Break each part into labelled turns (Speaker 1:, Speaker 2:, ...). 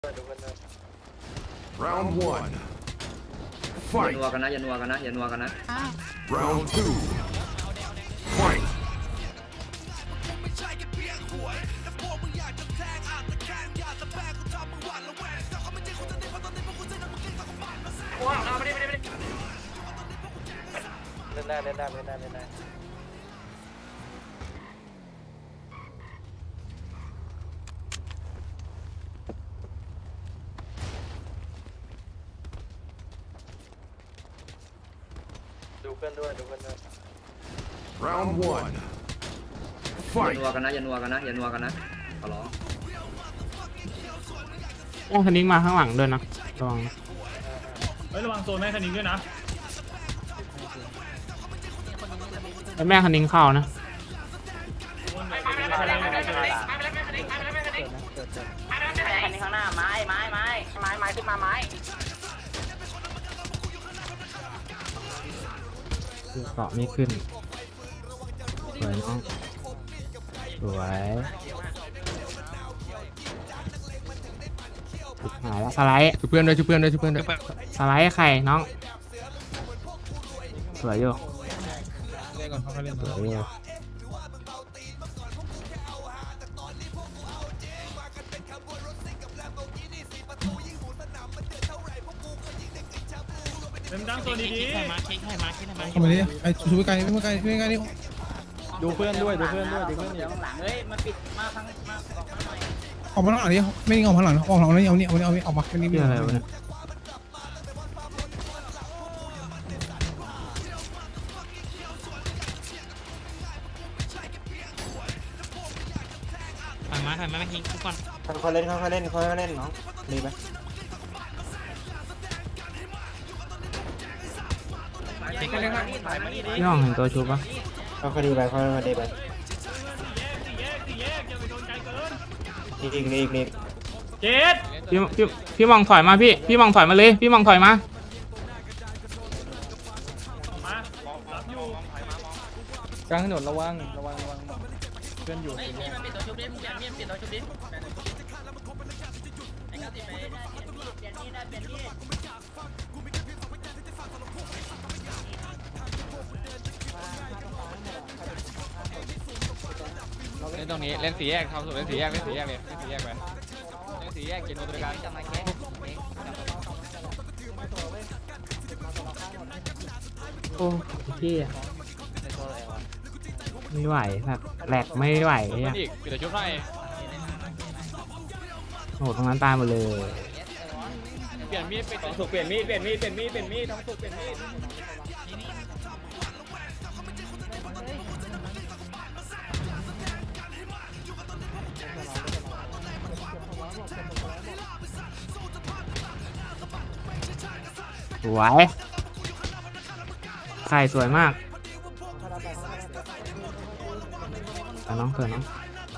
Speaker 1: Round one.
Speaker 2: อย่า
Speaker 1: Fight.
Speaker 2: นัวกันนะอย่านัวกันนะอย่านัวกันนะ
Speaker 1: Round two. Fight.
Speaker 3: เล่นได้เล่นได้เล่นได้เล่นได้ดูเพื่อนด้วยดูเพื่อนด้วย
Speaker 1: Round one.
Speaker 2: อย่า
Speaker 1: Fight.
Speaker 2: นัวกันนะอย่านัวกันนะอย่านัวกันนะขอร้อง
Speaker 4: แม่คันนิ้งมาข้างหลังด้วยนะระวังนะ
Speaker 5: เฮ้ยระวังโซนแม่คันนี้ด้วยนะ
Speaker 4: แล้วแม่คันนิ้งเข้านะ
Speaker 6: คันนี้ข้างหน้าไม้ขึ้นมาไม้
Speaker 4: เกาะไม่ขึ้นสวยน้องสวยหายแล้วสไลด์
Speaker 7: ช่วยเพื่อนด้วยช่วยเพื่อนด้วยช่วยเพื่อนด้วย
Speaker 4: สไลด์ไข่น้องสวยอยู่
Speaker 7: เล่นก่อนเขาเล่น
Speaker 4: สวยอยู่
Speaker 5: เต็มดังโซนดี
Speaker 7: เข้ามาดิไอ้ช่วยไกลไม่ไกลไม่ไกลนี่
Speaker 3: ดูเพื่อนด้วยดูเพื่อนด้วยดูเพื่อน
Speaker 6: เดี๋ยวข้างหลังเฮ้ยมันปิดมาทางมาออกมาหน่อย
Speaker 7: ออกมาข้างหลังดิไม่ออกข้างหลังออกหลังนี่เอานี่ออกมาไม่นี่
Speaker 4: เรื่องอะไรวะเนี่ย
Speaker 3: ค่อยๆเล่นค่อยๆเล่นค่อยๆเล่นน้องดีไหม
Speaker 4: พี่ห้องเห็นตัวชุบปะ
Speaker 3: ค่อยๆดีไปค่อยๆดีไป
Speaker 5: สี่แยกอย่าไปโดนไกลเกิน
Speaker 3: อีก
Speaker 5: เจ็ด
Speaker 4: พี่มองถอยมาพี่มองถอยมาเลยพี่มองถอยมา
Speaker 5: ออกมารับอยู่
Speaker 3: กลางถนนระวังเพื่อนอยู่
Speaker 6: พี่มันปิดตัวชุบดิมึงอย่าปิดตัวชุบดิไอ้ก้าวติดไปได้เปลี่ยนที่ได้เปลี่ยนที่
Speaker 7: เล่นตรงนี้เล่นสี่แยกทำสุดเล่นสี่แยกเลยเล่นสี่แยกไปเล่นสี่แยกเกินตัวการ
Speaker 4: โอ้พี่อะไม่ไหวแบบแหลกไม่ไหว
Speaker 7: เพื่อ
Speaker 4: อะ
Speaker 7: นอีกปิดตัวชุบหน่อย
Speaker 4: โอ้โหตรงนั้นตายหมดเลย
Speaker 7: เปลี่ยนมีดปิด
Speaker 5: ต้องสุกเปลี่ยนมีดต้องสุกเปลี่ยนมีด
Speaker 4: สวยไข่สวยมากแต่น้องเถอะน้อง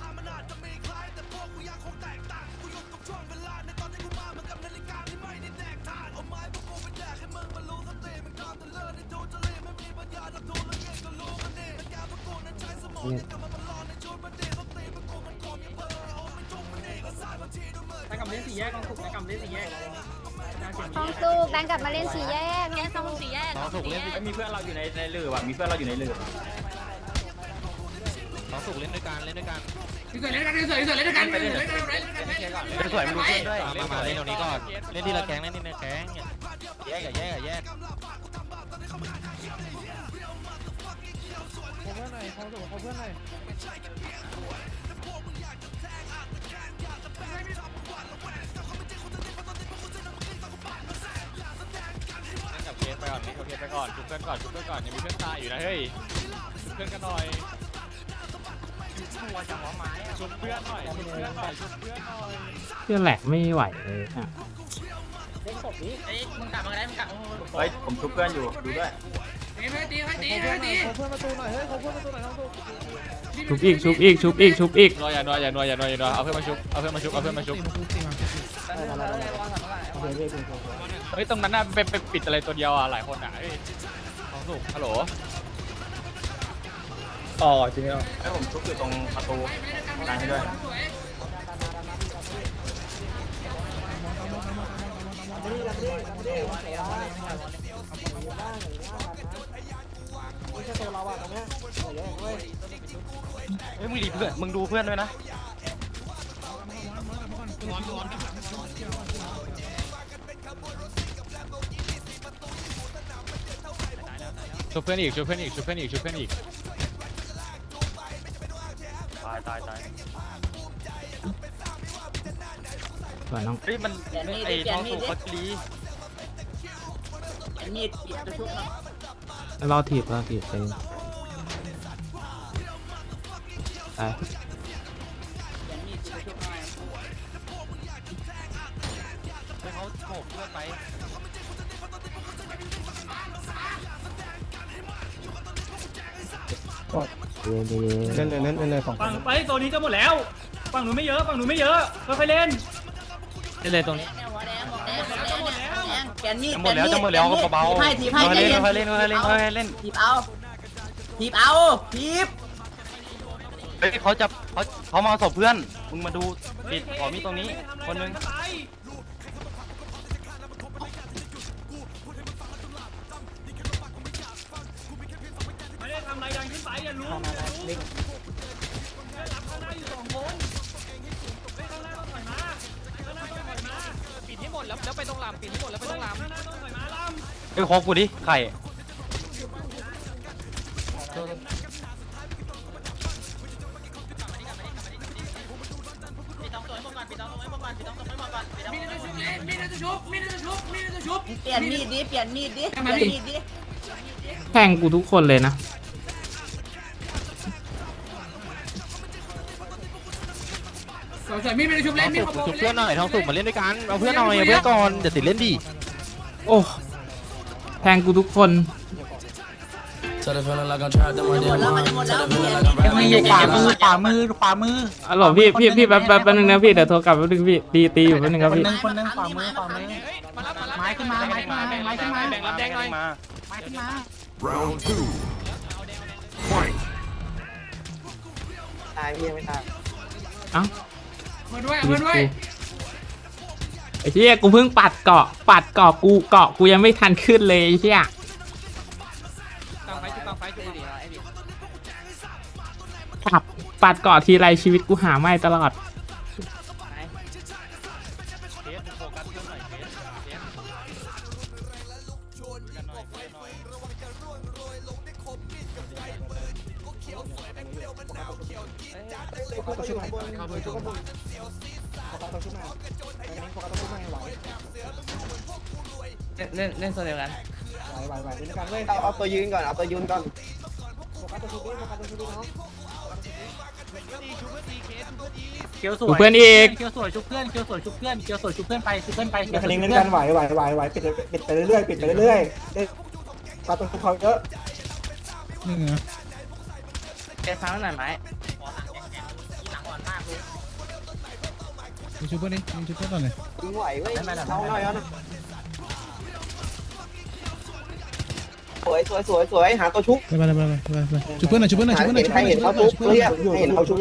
Speaker 4: เนี่ย
Speaker 5: ถ้ากลับเล่นสี่แยกต้องสุกนะกลับเล่นสี่แยก
Speaker 8: ทองสุกดันกลับมาเล่นสี่แยกแยกทองสี่แยก
Speaker 7: ถูกเล่น
Speaker 5: มีเพื่อนเราอยู่ในเรือว่ะมีเพื่อนเราอยู่ในเรือ
Speaker 7: น้องถูกเล่นด้วยกันเล่นด้วยกัน
Speaker 5: สวยมันดูเพื่อนด้วย
Speaker 7: มาเล่นตรงนี้ก่อนเล่นทีละแก๊งเล่นทีละแก๊งแยกแยก กับเคสไปก่อนนี่กับเคสไปก่อนชุบเพื่อนก่อนยังมีเพื่อนตายอยู่นะเฮ้ยเพื่อนกันหน่อยชุบเพื่อนหน่อย
Speaker 4: เพื่อนแหลกไม่ไหวเลยอะ
Speaker 6: เฮ้ยมึงกลับมาได้มึงกลับ
Speaker 5: เฮ้ยผมชุบเพื่อนอยู่ดูด้วย
Speaker 4: ชุบอีก
Speaker 7: นัวอย่าเอาเพื่อนมาชุบเฮ้ยตรงนั้นน่ะไปปิดอะไรตัวเดียวอ่ะหลายคนอ่ะเฮ้ยของสุกฮัลโหล
Speaker 5: อ๋อจริงเหรอให้ผมชุบอยู่ตรงประตูกลางให้ด้วย
Speaker 7: เฮ้ยมึงดีเพื่อนมึงดูเพื่อนด้วยนะช่วยเพื่อนอีกช่วยเพื่อนอีกช่วยเพื่อนอีกช่วยเพื่อนอีกตาย
Speaker 4: สวยน้อง
Speaker 7: เฮ้ยมันไอ้ท้องสูบเขาดี
Speaker 6: มีดจะชุบเนาะ
Speaker 4: รอถีบไปตาย
Speaker 6: มีดจะชุบหน่อย
Speaker 7: เขาโขกเพื่อนไป
Speaker 4: เย็น
Speaker 3: เล่นเลยของ
Speaker 5: ฝั่งไปตัวนี้จะหมดแล้วฝั่งหนูไม่เยอะค่อยๆเล่น
Speaker 7: นี่เลยตรงนี้
Speaker 6: เปลี่ยนมีด
Speaker 7: จะหมดแล้วก็เบาๆ
Speaker 6: ทีบให้ใจเย็น
Speaker 7: ค่อยๆเล่น
Speaker 6: ทีบเอาทีบ
Speaker 7: เฮ้ยเขามาเอาศพเพื่อนมึงมาดูปิดขอมีตรงนี้คนนึง
Speaker 5: ไม่ได้ทำอะไรยังขึ้นไปอย่ารู้รับข้างหน้าอยู่2 คนข้างหน้าต้องถอยมาปิดให้หมดแล้วไปตรงลำปิดให้หมดแล้วไปตรงลำข้างหน้าต้องถอยมาลำ
Speaker 7: เฮ้ยโคกูดิไข่
Speaker 6: เปลี่ยนมีดดิ
Speaker 4: แทงกูทุกคนเลยนะ
Speaker 7: ชุบเพื่อนหน่อยท้องสุกมาเล่นด้วยกันเอาเพื่อนหน่อยเอาเพื่อนก่อนเดี๋ยวติดเล่นดิ
Speaker 4: โอ้แทงกูทุกคน
Speaker 6: หมดแล้วมันจะหมดแล้ว
Speaker 3: มีขวามือ
Speaker 4: อ๋อเหรอพี่แป๊บนึงนะพี่เดี๋ยวโทรกลับแป๊บนึงพี่ตีอยู่แป๊บนึงครับพี่
Speaker 3: คนนึงขวามือไม้ขึ้นมา
Speaker 7: แบ่งรับแดงหน่อยมา
Speaker 1: Round 2. Fight.
Speaker 4: เอ้าไอ้เหี้ยกูเพิ่งปัดเกาะกูยังไม่ทันขึ้นเลยไอ้เหี้ยปัดเกาะทีไรชีวิตกูหาไม่ตลอด
Speaker 2: เล่นโซนเดียวกัน
Speaker 9: เอาตัวยืนก่อน
Speaker 4: ดูเพื่อนอีก
Speaker 3: เกียวสวยชุบเพื่อนไปคณิงเล่นกันไหวปิดไปเรื่อยปาตัวเขาเยอะ
Speaker 2: แกฟังหน่อยไหม
Speaker 3: ชุบเพื่อนก่อนเลย
Speaker 9: ยิงไหวเว้ยเอาหน่อยเอาหน่อยสวยหาตัวชุบ
Speaker 3: ไปชุบเพื่อนหน่อย
Speaker 9: ให้เห็นเขาชุบเรียกให้เห็นเขาชุบ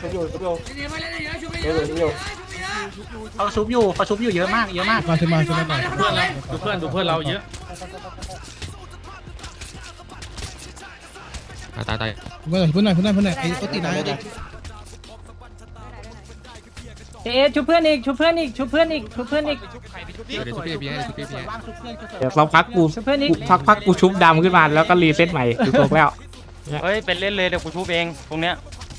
Speaker 3: เขาชุบอยู่เยอะมากมาขึ้นมาเพื่อนเราเยอะ
Speaker 7: ตาย
Speaker 3: เพื่อนหน่อยไอ้ตัวตีนาย
Speaker 2: ชุบเพื่อนอีก
Speaker 4: เดี๋ยวสักพักกูชุบดำขึ้นมาแล้วก็รีเซ็ตใหม่ดูตกแล้ว
Speaker 7: เฮ้ยเป็นเล่นเลยเดี๋ยวกูชุบเองตรงเนี้ย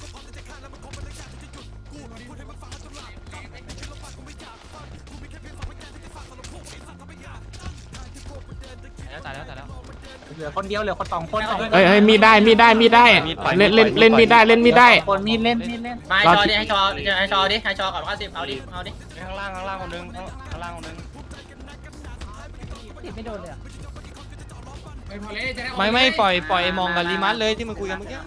Speaker 7: ตายแล้ว
Speaker 3: เหลือคนเดียวเหลือคน2 คน
Speaker 4: เฮ้ยมีได้เล่นมีดได้คนมีดเล่น
Speaker 3: มาชอดิให้ชอก่อนว่า10เอาดิ
Speaker 7: ข้างล่างคนนึงข้างล่างคนนึง
Speaker 2: ไม่โดนเลย
Speaker 7: ไม่ปล่อยมองกับรีมัสเลยที่มึงคุยกันเมื่อกี้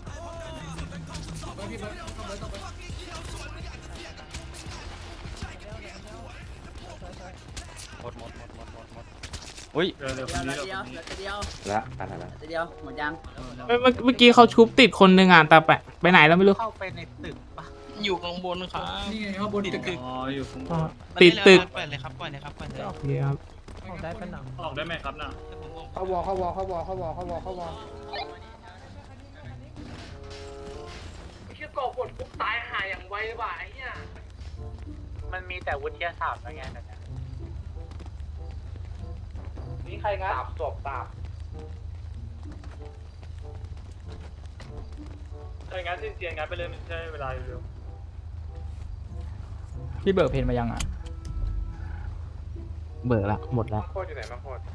Speaker 7: หมดอุ้ย
Speaker 6: เดียวหมดยัง
Speaker 4: เมื่อกี้เขาชุบติดคนนึงอ่ะแต่ไปไหนแล้วไม่รู้
Speaker 3: เข้าไปในตึกปะ
Speaker 5: อยู่ข้างบนครับนี่ไงข้างบนตึก
Speaker 2: อ๋ออยู่ข้างบน
Speaker 4: ติดตึก
Speaker 5: ปล่อยเลยครับปล่อยเลยครับปล่อยเลย
Speaker 4: โอเคครับ
Speaker 5: ออกได้เป็นหนัง
Speaker 2: ออกได้ไหมครับน่ะ
Speaker 3: เขาวอเขาวอเขาวอเขาวอเขาวอเขาวอ
Speaker 6: ชื่อกบกดปุ๊บตายหายอย่างไวว่ะไอ้เหี้ย
Speaker 2: มันมีแต่วุฒิศาสตร์แล้วไงแต่เนี่ย
Speaker 6: นี่ใครงัดตาบศพตาบ
Speaker 2: ถ้าอย่างนั้นสิ้นเสียงงานไปเลยมันใช้เวลาเร็ว
Speaker 5: พี่เบิร์กเพนมายังอ่ะ
Speaker 4: เบิกละหมดละ
Speaker 6: โคตรอยู่ไหนมาโคตร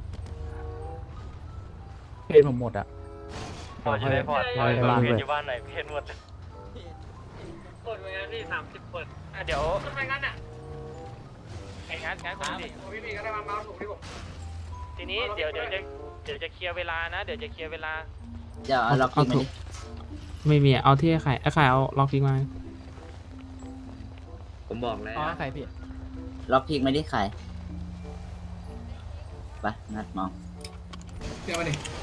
Speaker 5: เพนผมหมดอ่ะ
Speaker 2: พอจะได้พอ
Speaker 4: ร้อยบ้านเลย
Speaker 2: อยู่บ้านไหนเพนหมดเปิดไว้งั้นพี่30เปิดเดี๋ยว
Speaker 6: ทำไมงั้นอ่ะ
Speaker 2: ไอ้งั้นคนดิ
Speaker 6: พี่มีก็ได้มาถูกที่ผม
Speaker 2: ทีนี้เดี๋ยวจะเคลียร์เวลานะเดี๋ยวจะเคลียร์เวลา
Speaker 6: เดี๋ยวเรา
Speaker 4: เอาถูกไม่มีเอาที่ไอ้ไข่เอาล็อกทิ้งไว้
Speaker 6: ผมบอกแล้ว
Speaker 5: อ๋อใครพี่
Speaker 6: ล็อกพิกไม่ได้ขายไปงัดมอง
Speaker 3: เดี๋ยวมาดิ